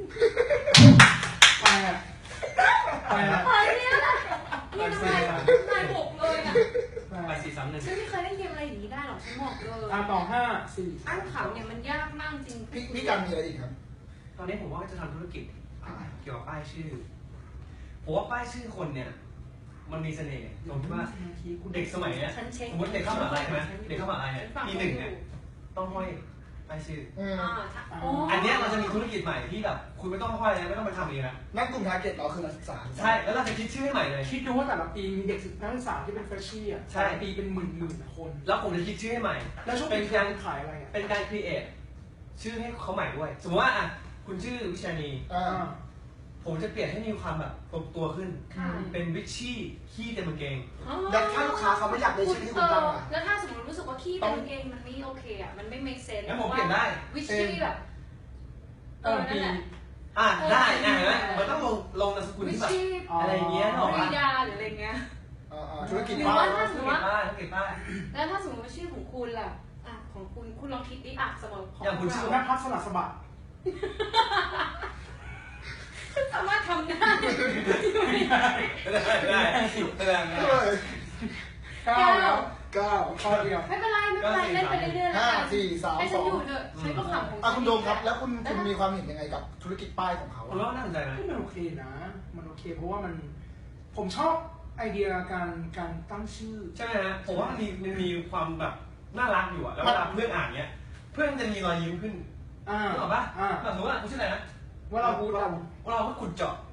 Speaker 3: 8
Speaker 1: เฮ้ยเนี่ยนะนี่ทำไมนายบอกเลยอ่ะ
Speaker 5: ไป
Speaker 3: 8
Speaker 5: 4-3-1
Speaker 1: ฉันไม่เคยเล่นเกมอะไรอย่างนี้ได้หรอกฉันบอกเลย
Speaker 3: ต่อ5 4
Speaker 1: อันขำเนี่ยมันยากมากจริง
Speaker 2: พี่การมีอะไรอีกครับ
Speaker 5: ตอนนี้ผมว่าจะทำธุรกิจเกี่ยวกับป้ายชื่อผมว่าป้ายชื่อคนเนี่ย มันมีเสน่ห์ตรงที่ว่าเด็กสมัยเนี้ย
Speaker 1: ฉันเช็ค
Speaker 5: สมมติเด็กเข้ามหาลัยใช่ไหมเด็กเข้ามหาลัยเนี่ยปีหนึ่งเนี่ยต้องห้อยป้ายชื่อ อันเนี้ยเราจะมีธุรกิจใหม่ที่แบบคุณไม่ต้องห้อยแล้วไม่ต้องไปทำเองนะ
Speaker 2: นั่นกลุ่มทาร์เก็ตเราคือนักศึกษา
Speaker 5: ใช่ แล้วเราจะคิดชื่อให้ใหม่เลย
Speaker 3: คิดดูว่าแต่ละปีมีเด็กนักศึกษาที่เป็นเฟรชชี่อ่ะ
Speaker 5: ใช่
Speaker 3: แต่ละปีเป็นหมื่นคน
Speaker 5: แล้วผมจะคิดชื่อให้ใหม่
Speaker 3: แล้วช่วง
Speaker 5: เป็
Speaker 3: ปี
Speaker 5: น
Speaker 3: กา
Speaker 5: การ
Speaker 3: รขายอะไรอ่ะ
Speaker 5: เป็นการครีเอทชื่อให้เขาใหม่ด้วย สมมติว่าอ่ะคุณชื่อวิชานี ผมจะเปลี่ยนให้มีความแบบตัวขึ้น
Speaker 1: ค่ะ
Speaker 5: เป็นวิชชี่ขี้เต็มกางเกง
Speaker 2: แล้วถ้าลูกค้าเขาไม่อยากได้ชื่อที่คุณตั้งอ่ะ
Speaker 1: แล้วถ้าสมมติรู้สึกว่าขี้เป็นเกงมันไม่โอเคอ่ะมันไม่ make sense
Speaker 5: งั้นผมเปลี่ยนได้
Speaker 1: วิชชี่แบบนั่นแหละ
Speaker 5: อ่ะได้เห็นไหมมันต้องลงนามสกุล
Speaker 1: วิ
Speaker 5: ที่
Speaker 1: ช
Speaker 5: แบบ
Speaker 1: ชี่
Speaker 5: อะไรอย่างเงี้ยหรอ
Speaker 1: ป
Speaker 5: วะ
Speaker 1: ริยาหรืออะไรเงี้ย
Speaker 2: ธุรกิจ
Speaker 1: หรือ
Speaker 2: ป้า
Speaker 1: ว่า
Speaker 2: ย
Speaker 1: ถ้าสมมติว่า
Speaker 5: ธุรกิจป้าย
Speaker 1: แล้วถ้าสมมติว่าชื่อของคุณล่ะอ่ะของคุณลองคิดดิอ่ะสมมติของ
Speaker 5: อย่างคุณชื่อ
Speaker 3: นักพักสลัดสะบัด
Speaker 1: สามารถทำได้
Speaker 5: ได้แสดง
Speaker 3: 9แล้ว
Speaker 2: 9
Speaker 3: ข้อเดียว
Speaker 1: ไม่เป็นไรไม่เป็นไรเล่นไปเรื่อยๆแล้วกัน
Speaker 2: 5 4 3
Speaker 1: ให้ฉันอยู่
Speaker 2: 2
Speaker 1: เถอะฉันก็ขำของ
Speaker 2: คุณโดมครับ แล้วคุณมีความเห็นยังไงกับธุรกิจป้ายของเขา
Speaker 5: ผมว่าน่าสนใจไหม
Speaker 3: มันโอเคนะ มันโอเคเพราะว่าผมชอบไอเดียการตั้งชื่อ
Speaker 5: ใช่ไหมฮะผมว่ามันมีความแบบน่ารักอยู่อะแล้วเวลาเพื่อนอ่านเนี้ยเพื่อนจะมีรอยยิ้มขึ้น นึกออกปะแบบสมมติว่าคุณชื่ออะไรนะ
Speaker 3: ว่าเราพูดเรา
Speaker 5: เราก็ขุดเจาะ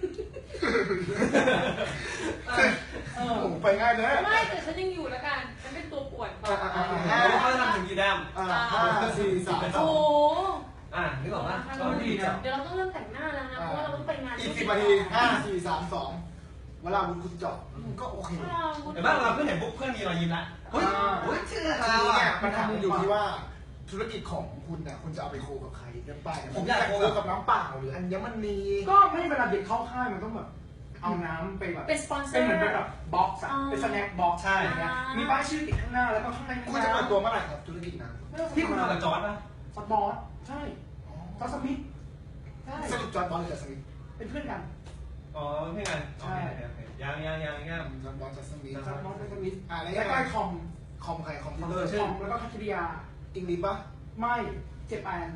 Speaker 2: ผมไปง่ายนะ
Speaker 1: ไม่แต่ฉันยังอยู่แล้วกันฉันเป็นตัวป่วน
Speaker 5: แล้วก็ทำถึงกี่แดม
Speaker 2: 5 4 3
Speaker 1: โอ้
Speaker 2: 2
Speaker 5: นึกออกปะก็ดีเจาะ
Speaker 1: เดี๋ยวเราต้องเริ่มแต่งหน้าแล้วนะเพราะว่าเราต้องไปงาน
Speaker 2: อีก10 นาที 5 4 3 2 เวลาคุณเจาะก็โอเค
Speaker 5: แต่บ้านเราเพื่อนเห็นปุ๊บเพื่อนมีรอยยิ้มละเฮ้ยชื่ออะไร
Speaker 2: ทีนี้
Speaker 5: วะ
Speaker 2: เนี่ยมันทำอยู่ที่ว่าธุรกิจของคุณน่ะคุณจะเอาไปโคกับใครกันไปผมอยากโคกับน้ำเปล่าหรืออัญมณี
Speaker 3: ก็ไม่เวลาเด็กเข้าค่ายมันต้องแบบเอาน้ำไปแบบ
Speaker 1: เป็นสปอนเซอ
Speaker 3: เป็น
Speaker 1: ร์
Speaker 3: เหมือนแบบบ็อกซ์อะเป็นสแน็คบ็อกซ์
Speaker 5: ใช่
Speaker 3: อย่างเงี้ยมีป้ายชื่อติดข้างหน้าแล้วก็ข้างใน
Speaker 2: คุณจะเปิดตัวเมื่อไหร่ครับธุรกิจนั้น
Speaker 5: ที่คุณทำกับจอร์ดป่ะ
Speaker 3: สปอร์ตใช่จอร์จสมิธใช่
Speaker 2: สรุปจอร์นบอลหรือจอร์นสมิธ
Speaker 3: เป็นเพื่อนกัน
Speaker 5: อ๋อเพื่อนกันยัง
Speaker 2: จอร์นบอลจอร์นสมิธ
Speaker 3: จอร์จบอลเป็นสมิธ
Speaker 2: แล้ว
Speaker 3: แล้วก็ไอคอม
Speaker 2: คอมใครคอม
Speaker 3: คอมแล้วก็คัตริยา
Speaker 2: อิงลิปปะ
Speaker 3: ไม่เจแปน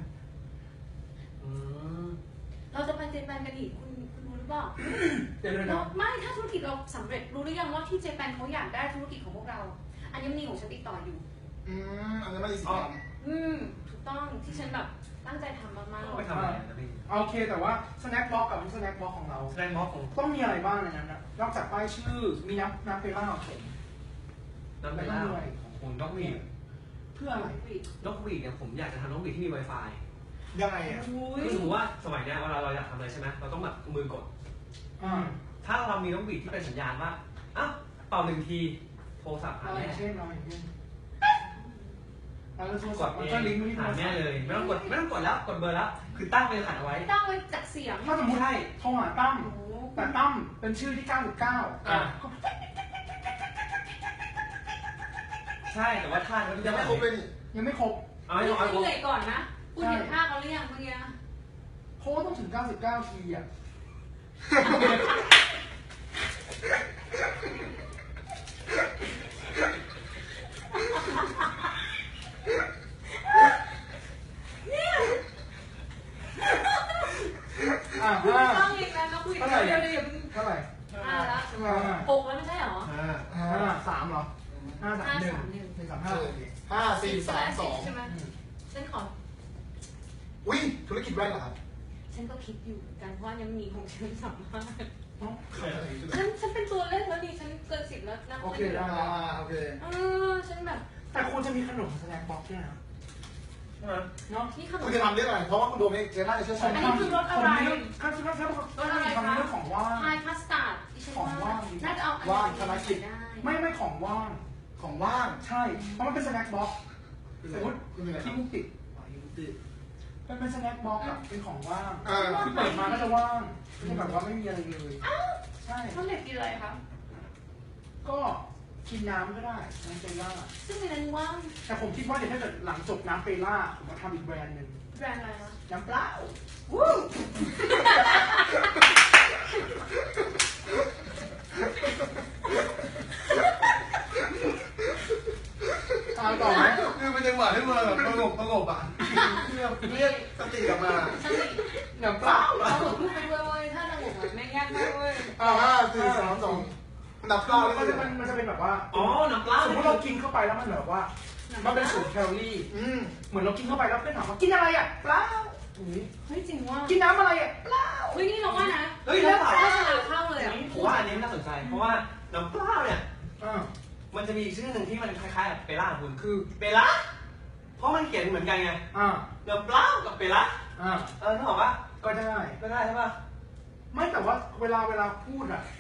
Speaker 1: เราจะไปเจแปนกันอีกคุณรู้หรือเปล่า
Speaker 3: เดี๋ยวนะ
Speaker 1: ไม่ถ้าธุรกิจเราสำเร็จรู้หรือยังว่าที่เจแปนเขาอยากได้ธุรกิจของพวกเราอัญมณีของฉันติดต่ออยู่
Speaker 2: อัญมณีสีดำ
Speaker 1: ถูกต้องที่ฉันแบบตั้งใจทำมากๆ
Speaker 5: ไปทำอะไรนะพี่
Speaker 3: โอเคแต่ว่าสแน็คบ็อกกับสแน็คบ็อกของเรา
Speaker 5: แสดงม็อกของ
Speaker 3: ต้องมีอะไรบ้างในนั้นนะนอกจากป้ายชื่อมีน้ำเปล่าเข็ม
Speaker 5: น้ำเป็นล่าของคุณนกหวีด
Speaker 3: เพื่ออะไร
Speaker 5: นกหวีดเนี่ยผมอยากจะทำนกหวีดที่มี Wi-Fi
Speaker 2: ยังไงอ่ะ
Speaker 5: คือสมมติว่าสมัยเนี้ยเวลาเราอยากทำอะไรใช่ไหมเราต้องแบบมือกด ถ้าเรามีนกหวีดที่เป็นสัญญาณว่าอ้าวเป่า1 ทีโทรศัพท์หา
Speaker 3: อะไร
Speaker 5: แม่
Speaker 3: เช่นอะไรเช่นแล้วโทร
Speaker 5: ก
Speaker 3: ศัพ
Speaker 5: ด
Speaker 3: ท์
Speaker 5: เอ
Speaker 3: มันก็ลิงก์ไปที่
Speaker 5: ง
Speaker 3: โท
Speaker 5: หาร
Speaker 3: ศั
Speaker 5: แม่
Speaker 3: พท์
Speaker 5: เลยไม่ต้องกดแล้วกดเบอร์แล้วคือตั้งเป็นรหัสเอาไว้
Speaker 1: ตั้งไว้จากเสียง
Speaker 3: ถ้าสมมติให้โทรหาตั้มแต่ตั้มเป็นชื่อที่
Speaker 5: ใช่แต่ว่าท่าเขา
Speaker 2: ยังไม่ครบเลยนี่
Speaker 3: 99 ยังไม่ครบ
Speaker 5: เอาให้เอา
Speaker 1: เหนื่อยก่อนนะคุณเห็นท่าเขาหรือยังเมื่อกี้
Speaker 3: เพราะว่าต้องถึง 99 ทีอ่ะ
Speaker 1: คุณต้องอีกแล้วนะคุยเดี๋ยว
Speaker 3: เท่าไหร่
Speaker 1: ใช่ไหมฉันขอ
Speaker 2: อุ้ยธุรกิจแว่นเหรอครับ
Speaker 1: ฉันก็คิดอยู่เหมือนกันเพราะว่ายังมีของฉันสามารถ
Speaker 2: ขายอะไรอยู่
Speaker 1: ฉันเป็นตัวเล่นแล้วนี่ฉันเกิน10แล้วนะ
Speaker 3: โอเคได้
Speaker 2: โอเค
Speaker 1: ฉันแบบ
Speaker 3: แต่ควรจะมีขนมสแน็คบ็อกซ์ด้วยนะเนาะ
Speaker 1: นี่ขนม
Speaker 2: คุณจะทำเรื่องอะไรเพราะว่าคุณโดมเจน่าจะเชี่ยวชาญ
Speaker 1: อันนี้คือรสอะไร
Speaker 3: ข้าวชิ้นข้าวก็มีทำเรื่องของว่าง
Speaker 1: พายพาสต้าดิฉันว่าน่าจะเอาอันนี้ได้
Speaker 3: ไม่ของว่าง
Speaker 2: ของว่าง
Speaker 3: ใช่ เพราะมันเป็นสแน็คบ็อกซ์สมมติ
Speaker 2: คุณเป็นอะไรครั
Speaker 3: ที่
Speaker 2: บ
Speaker 3: มุกติด
Speaker 2: ยูติ
Speaker 3: มันเป็นสแน็คบ็อกซ์อะเป็นของว่าง
Speaker 2: เออ
Speaker 3: ที่เปิดมาก็จะว่างไม่ใช่แบบว่าไม่มีอะไรเลย ใช่
Speaker 1: ต้องเด็กกินอะไรคะ
Speaker 3: ก็กินน้ำก็ได้น้ำเปล่า
Speaker 1: ซึ่งในนั้นว่าง
Speaker 3: แต่ผมคิดว่าเดี๋ยวถ้าเกิดหลังจบน้ำเปล่าผมจะทำอีกแบรนด์หนึ่ง
Speaker 1: แบรนด์อะไรคะ
Speaker 3: น้ำเปล่า
Speaker 1: วู้
Speaker 3: ต่อไหม
Speaker 2: คือเป็นจังหวะที่มันแบบสงบอ่ะเรียกสติกลับมา
Speaker 1: ฉัน
Speaker 3: น้ำเปล่า
Speaker 1: เราหลบลูกไปด้วยเว้ยถ้าเราหลบมันไม่ยากมากเว้ย
Speaker 2: 5 4 3 2ดับเก้าเลย
Speaker 3: มันจะเป็นแบบว่า
Speaker 5: อ๋อน้ำปลา
Speaker 3: สมมติเรากินเข้าไปแล้วมันแบบว่า มันเป็น0 แคลอรี่ เหมือนเรากินเข้าไปแล้วเพื่อนถามว่ากินอะไรอ่ะเปล่า
Speaker 1: เฮ้ยจริงว่า
Speaker 3: กินน้ำอะไรอ่ะเปล่า
Speaker 1: เฮ้ยนี่เราว่านะ
Speaker 5: เฮ้ย
Speaker 1: แล้
Speaker 5: แล้ว ว
Speaker 1: โฆษณาเข้าเลยอ่ะ
Speaker 5: ผมว่าอันนี้น่าสนใจ เพราะว่าน้ำปลาเนี่ย
Speaker 3: อ่า
Speaker 5: มันจะมีชื่อหนึ่งที่มันคล้ายๆกับเปล่าคุณคือเปล่าเพราะมันเขียนเหมือนกันไง
Speaker 3: อ่า
Speaker 5: น้ำปลากับเปล่า
Speaker 3: อ่า
Speaker 5: นึกออกปะ
Speaker 3: ก็ได้
Speaker 5: ก็ได้ใช่ปะ
Speaker 3: ไม่แต่ว่าเวลาพูดอ่ะ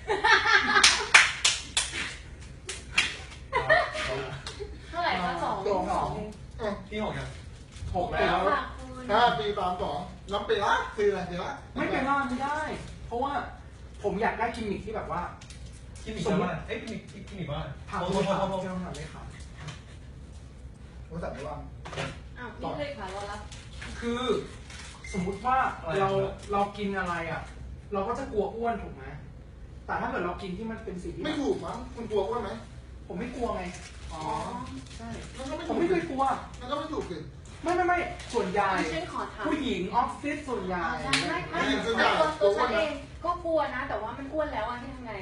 Speaker 1: เท่าไหร่คะ2
Speaker 5: พี่หกยัง
Speaker 3: 6
Speaker 1: แล้
Speaker 3: แล้ว ว
Speaker 1: ค่ะคุณ
Speaker 2: 5 4 3 2น้ำเปล่าคืออะไรเดี๋ยว
Speaker 3: ไม่เป็นไรไม่ได้ เพราะว่าผมอยากได้กิมมิคที่แบบว่า
Speaker 5: กินอีกว่าเอ้ยกินอีกว่า
Speaker 3: ถาม
Speaker 5: โอ้
Speaker 3: คุ
Speaker 5: โห
Speaker 3: ณถามเจ้าหน้าเลยครับ
Speaker 2: ผมสั่งไม่ว่าง
Speaker 1: อ้าวนี่เลยค่ะรอรับ
Speaker 3: คือสมมุติว่าเรากินอะไรอ่ะ เราก็จะกลัวอ้วนถูกไหมแต่ถ้าเกิดเรากินที่มันเป็นสิ่งที่
Speaker 2: ไม่ถูกมั้งคุณกลัวอ้วนไหม
Speaker 3: ผมไม่กลัวไง
Speaker 2: อ๋อ
Speaker 3: ใช่
Speaker 2: มันก็ไม่
Speaker 3: ผ
Speaker 2: ถู
Speaker 3: ม
Speaker 2: ก
Speaker 3: ไม่เคยกลัว
Speaker 2: มันก็ไม่ถูกสิ
Speaker 3: ไม่ส่วนใหญ่
Speaker 1: ดิฉันขอถาม
Speaker 3: ผู้หญิงออฟฟิศส่วนใหญ่
Speaker 1: ใช่ไม่ตัวฉันเองก็กลัวนะ แต่ว่ามันอ้วนแล้วอ่ะที่ทำไง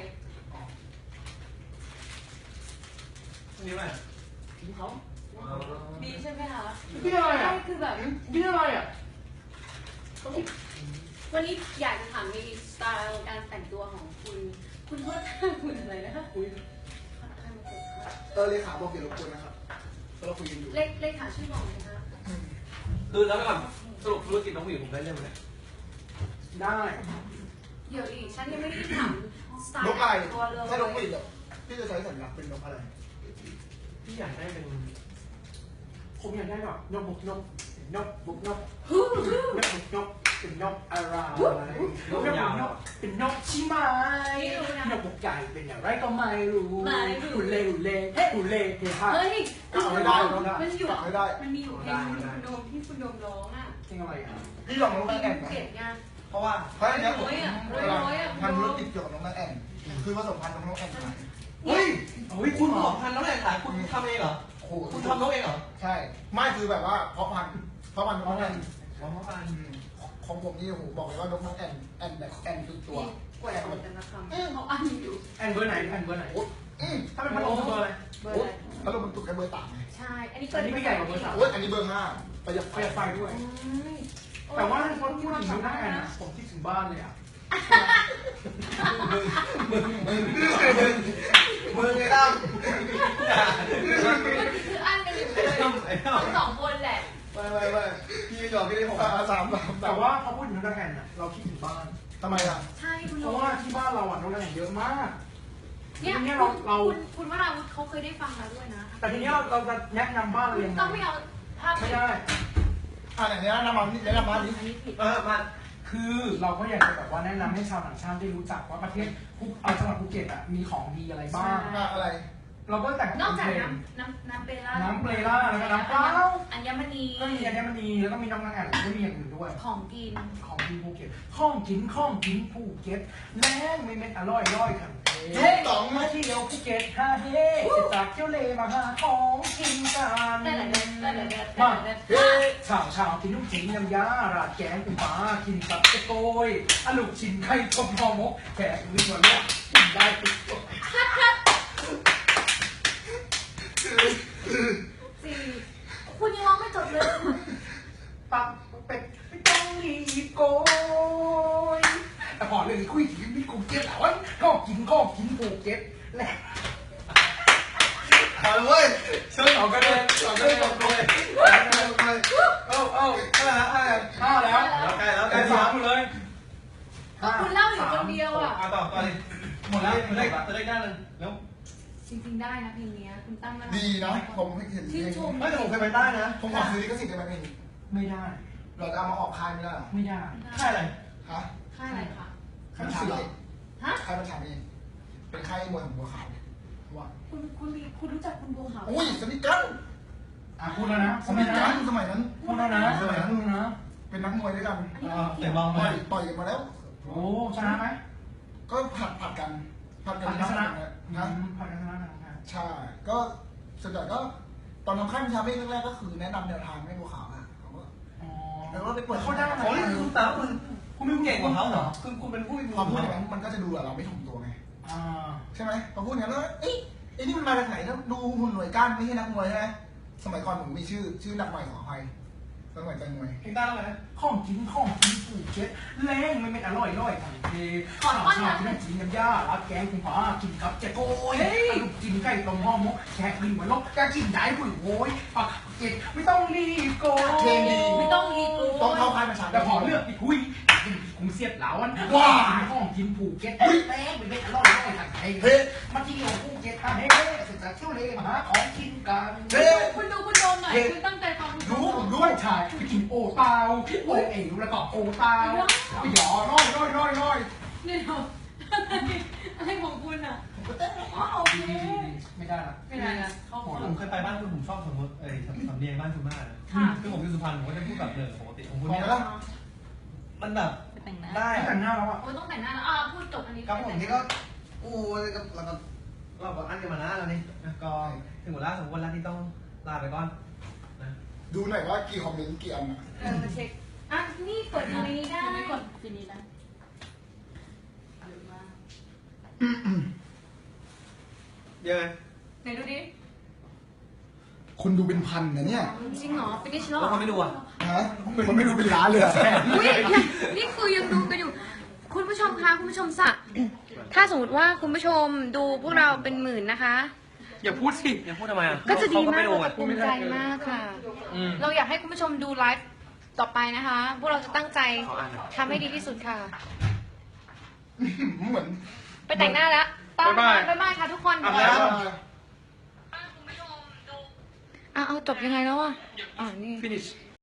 Speaker 5: อันนี้ว่า
Speaker 3: เขา
Speaker 1: ดีใช่ไหมคะ
Speaker 3: พี่อะไรอ่ะ
Speaker 1: ใช่คือแบบ
Speaker 3: พี่อะไรอ่ะ
Speaker 1: วันนี้อยากจะถามในสไตล์การแต่งตัวของคุณโทษคุณอะไรนะคะ
Speaker 3: คุย
Speaker 2: เลขาบอกเกี่ยวกับคุณนะครับเราคุยกันอยู่
Speaker 1: เลขหาชื่อบอกเลยนะคะ
Speaker 5: คือแล้วก่อนสรุปธุรกิจน้องหมิวผมได้เรื่องไหมเนี่ย
Speaker 3: ได้
Speaker 1: เดี๋ยวอีกฉันยังไม่ได้ถามสไตล์
Speaker 2: นกอะไร
Speaker 1: ตัวเลย
Speaker 2: ถ้านกหวีดพี่จะใช้สัญลักษณ์เป็นนกอะไร
Speaker 5: พี่อยากได้เป็น
Speaker 3: ผมอยากได้แบบนกบุกนกนกบุกนก
Speaker 1: ฮู้ฮู้
Speaker 3: นกบุกนกเป็นนกอะไรนกนกเป็นนกใช่ไหมนกบุกใหญ่เป็นอย่างไรก็ไม่รู้หุ่นเล่หุ่นเล่หุ่นเล่เฮ้ย
Speaker 1: เฮ้ย
Speaker 2: เอาไม่ได้
Speaker 1: มันอยู่
Speaker 2: ไม่ได้
Speaker 1: มันมีอยู่เพลงคุณโดมที่คุณโดมร้องอ่ะ
Speaker 3: เพลงอะไรอ่ะ
Speaker 2: พี่ลองน้อง
Speaker 1: เพล
Speaker 2: แม่
Speaker 1: ง
Speaker 2: แอน
Speaker 1: เกลียดงาน
Speaker 5: เพราะว่า
Speaker 2: เพราะอันนี้ผม
Speaker 1: ร้อยอะ
Speaker 2: ทำธุรกิจเกี่ยวกับน้องแม่แอนคือผสมพันธุ์น้องแอนขาย
Speaker 5: เฮ้ยคุณผสมพันธุ์แล้วแหละขายคุณทำเองเหรอ
Speaker 2: โอ้โห
Speaker 5: คุณทำน้องเองเหรอ
Speaker 2: ใช่ ไม่คือแบบว่าเพาะพันธุ์น้องแอน
Speaker 5: อ๋อเพราะพันธุ์
Speaker 2: ของผมนี่โอ้โหบอกเลยว่านกน้องแอนแบบแอนทุกตัว
Speaker 1: แกว่งแต่ละคำเขาอันอยู่
Speaker 3: แอนเบอร์ไหนแอนเบอร์ไหน
Speaker 2: โอ้ย
Speaker 3: ถ้าเป็นพัดลมเบอร์อะไร
Speaker 1: เบอร์อะไร
Speaker 2: ถ้าเรามันตุกแค่เบอร์ต่างไง
Speaker 1: ใช่ อันนี้
Speaker 3: อันนี้ไม่ใหญ่กว่าเบอร์ 3
Speaker 2: โอ้ยอันนี้เบอร์5ประหยัด
Speaker 3: ประหยัดไฟด้วย แต่ว่าพอพูดถึงดูหน้าแอนนะผมคิดถึงบ้านเลยอ่ะ
Speaker 2: มือไงตั้ม
Speaker 1: คืออันกันอยู่เลยทั้ง2 คนแหละ
Speaker 2: ไม่พี่หยอกพี่ได้3
Speaker 3: แต่ว่าพอพูดถึงน้องแอนน่ะเราคิดถึงบ้าน
Speaker 2: ทำไมอ่ะ
Speaker 1: ใช่คุณ
Speaker 3: เพ
Speaker 1: โด
Speaker 3: ราะ
Speaker 1: ม
Speaker 3: ว่าที่บ้านเราอ่ะน้องแอนเยอะมาก
Speaker 1: เนี่ย
Speaker 3: ทีนี้
Speaker 1: คุณวราวุธเขาเคยได้ฟังมาด้วยนะ
Speaker 3: แต่ทีนี้เราจะแนะนำบ้านเรายังไง
Speaker 1: ต้องไม่เอาภาพ
Speaker 3: ไม่ได้
Speaker 2: ไหนแนะนำมานี่แนะนำมาดิ
Speaker 1: อันนี้ผิด
Speaker 5: มา
Speaker 3: คือเราก็อยากจะแบบว่าแนะนำให้ชาวต่างชาติได้รู้จักว่าประเทศจังหวัดภูเก็ตอ่ะมีของดีอะไรบ้าง
Speaker 2: อะไร
Speaker 3: เราก็แต่ง
Speaker 1: นอก
Speaker 3: เป็น
Speaker 1: จาก
Speaker 3: เพลง
Speaker 1: น้ำเปล่า
Speaker 3: น้ำเปล่าแล้วก็น้ำเปล่า
Speaker 1: อัญมณี
Speaker 3: ก็มีอัญมณีแล้วก็มีน้องนางแอ่นก็มีอย่างอื่นด้วย
Speaker 1: ของกิน
Speaker 3: ของกินภูเก็ตข้องกินภูเก็ตแล้ไม่เม็ดอร่อยขัน
Speaker 2: ยุคสอง
Speaker 3: มาเที่ยวภูเก็ตฮาเฮ่จากเที่ยวเลมาหาของกินกัน
Speaker 1: แต่ละเด็ดแต่ละเด็ด
Speaker 3: มาเฮ้ชาวกินลูกชิ้นน้ำยาราดแกงปูม้ากินตับตะโกยอะลูกชิ้นไข่ต้มห่อหมกแขกมีส่วนลดกินได้ทุกตัว
Speaker 1: สี่คุณยังร้องไม่จบเลย
Speaker 3: ปักเป็ดไม่ต้องรีบโกยแต่พอเรื่องนี้คุยถึงพี่กูเก็ตแล้วก็กินผูกเก็ตแหละ
Speaker 2: เอาเลยเว้ย
Speaker 5: ช่วยสองกันเลยสองกันเลยสองกันเลยเอ้าเท่าไหร่ละ
Speaker 3: ห้าแล้ว
Speaker 5: แล้วใกล้แล้วใก
Speaker 3: ไอ้
Speaker 5: ล้
Speaker 3: สา
Speaker 5: สาม ม
Speaker 3: หมดเลย
Speaker 1: ก็คุณเล่าอยู่คนเดียวอ่ะ
Speaker 5: ต่อเลยหมดแล้วจะได้ด้านนึงแล้ว
Speaker 1: จริงๆได้นะเพลงนี้คุณตั้งมา
Speaker 2: ดีนะผมเห็น
Speaker 1: ชื่นชม
Speaker 5: ไม่แต่ผมเคยไปใต้นะ
Speaker 2: ผมขอซื้อลิขสิทธิ์ได้ไหมเพลงนี้
Speaker 3: ไม่ได้
Speaker 2: เราจะเอามาออกค่ายไม่ได้หรอ
Speaker 3: ไม่ได้
Speaker 5: ใช่เลย
Speaker 2: ฮะ
Speaker 1: ค่ายอะไรคะ
Speaker 2: ค่ายมันถามเอง
Speaker 1: ฮะ
Speaker 2: ค่ายมันถามเองเป็นค่ายมวยของบัวขาวว่า
Speaker 1: คุณรู้จักคุณบัวขาว
Speaker 2: อุ้ยสนิทกัน
Speaker 3: พูดแล้วนะ
Speaker 2: สนิทกันสมัยนั้น
Speaker 3: พูดแล้วนะพูดแล้วนะ
Speaker 2: เป็นนักมวยด้วยกัน
Speaker 5: เตะบอล
Speaker 2: ต่
Speaker 5: มา
Speaker 2: อยกันมาแล้ว
Speaker 3: โอ้ชนะไหม
Speaker 2: ก็ผัดกันผัดกัน
Speaker 3: ชนะ
Speaker 2: นะ
Speaker 3: ผัดกันชนะ
Speaker 2: ใช่ ก็ส่วนใหญ่ก็ตอนทำค่ายวิชาเมฆแรกๆก็คือแนะนำแนวทางให้บัวขาวอ่ะเขาก็
Speaker 3: อ๋อ
Speaker 2: แล้วก็ไปเปิด
Speaker 3: เขาได้ไหม
Speaker 5: โอ้ยคุณตาคุณไม่เก่งกว่าเขาเหรอคุณเป็นผู้มี
Speaker 2: ความพูดอย่างนั้นมันก็จะดูเราไม่ถ่อมตัวไง
Speaker 3: อ่า
Speaker 2: ใช่ไหมพอพูดอย่างนั้นแล้วเอ้ยไอ้นี่มันมาจากไหนถ้าดูหุ่นหน่วยก้านไม่ใช่นักมวยใช่ไหมสมัยก่อนผมมีชื่อนักมวยขออภัยสมัยใจมวย
Speaker 5: เพลงใต้แล้วไง
Speaker 3: ของกินผูกเช็ดแรงไม่เป็นอร่อยทั้งเทข้าวชากินกินน้ำยาลักแกงคุณพ่อกินกับเจ๊โก้ยลูกกินไก่ต้มห่อหมกแขกกินหัวลกจะกินได้หุ่นโวยปักเก็ดไม่ต้องรีบโก
Speaker 2: เพลงดี
Speaker 1: ไม่ต้องรีบ
Speaker 2: ต้องเข้าค่ายประชา
Speaker 3: แต่พอเลือกอีกคุยกูเสียดเหลาวันของกินผูกเก็ตแรงไม่เป็นอร่อยทั้งเท
Speaker 2: เฮ้
Speaker 3: มาที่ของผูกเก็ตเฮ้ศึกษาเที่ยวเลยมาหาของกินกัน
Speaker 2: เฮ้
Speaker 1: คุณดูคุณโดมหน่อยคุณตั้งใจฟัง
Speaker 2: รู้ผมรู้
Speaker 3: ด้วยชายไปกินโอเตาโอเอ๋วแล้วก็โอเตาไปหยอร้อย
Speaker 1: เนี่ยอะไรของคุณอ่ะ
Speaker 2: ผมก็เต้น
Speaker 1: อ๋อโอเค
Speaker 3: ไม่ได้ละ
Speaker 1: ไม่ได้นะเขา
Speaker 5: ผมเคยไปบ้านคุณผมชอบสมมติสำเนียงบ้านคุณมาก
Speaker 1: ค่ะ
Speaker 5: คือผมอยู่สุพรรณผมก็จะพูดแบบเดิมปกติของคุณ
Speaker 2: บอก
Speaker 5: เนี่ย
Speaker 2: แล้ว
Speaker 5: มันแบบ
Speaker 4: ไปแต่งหน้า
Speaker 5: ได้
Speaker 3: แต่งหน้าแล้วอ่ะ
Speaker 1: โอ้ต้องแต่งหน้าแล้วพูดจบอันนี้
Speaker 5: ครับผมนี่ก็โอ้ยเราก็อันกันมานะแล้วนี่ก็ถึงเวลาสมควรแล้วที่ต้องลาไปก่อนนะ
Speaker 2: ดูหน่อยว่ากี่คอมเมนต์กี่อันนะ
Speaker 1: มาเช็คอ่ะนี่เปิดตรงนี้ได้
Speaker 4: ไม่กดทีนี้นะ
Speaker 5: ยังไง
Speaker 1: ไหนดูดิ
Speaker 2: คุณดูเป็นพันนะเนี่ย
Speaker 1: จริงเหรอฟินิชแล้ว
Speaker 5: แล้วคนไม่ดูอ่ะ
Speaker 2: ฮะมันไม่ดูเป็นล้านเลยอะ
Speaker 1: อุ้ยนี่คือยังดูกันอยู่ คุณผู้ชมคะคุณผู้ชมสะถ้าสมมติว่าคุณผู้ชมดูพวกเราเป็นหมื่นนะคะ
Speaker 5: อย่าพูดสิอย่าพูดทำไมอ่ะ
Speaker 1: ก็จะดีมาก
Speaker 5: ไม่ดู
Speaker 1: เรา
Speaker 5: อ่ะ
Speaker 1: จะภูมิใจมากค่ะ เราอยากให้คุณผู้ชมดูไลฟ์ต่อไปนะคะ พวกเราจะตั้งใจทำให้ดีที่สุดค่ะ
Speaker 2: เหมือน
Speaker 1: ไปแต่งหน้าแล้วบ๊ายบายค่ะทุกคน
Speaker 5: อาบน้ำ
Speaker 1: เอาจบยังไงแล้วอ่ะนี่
Speaker 5: finish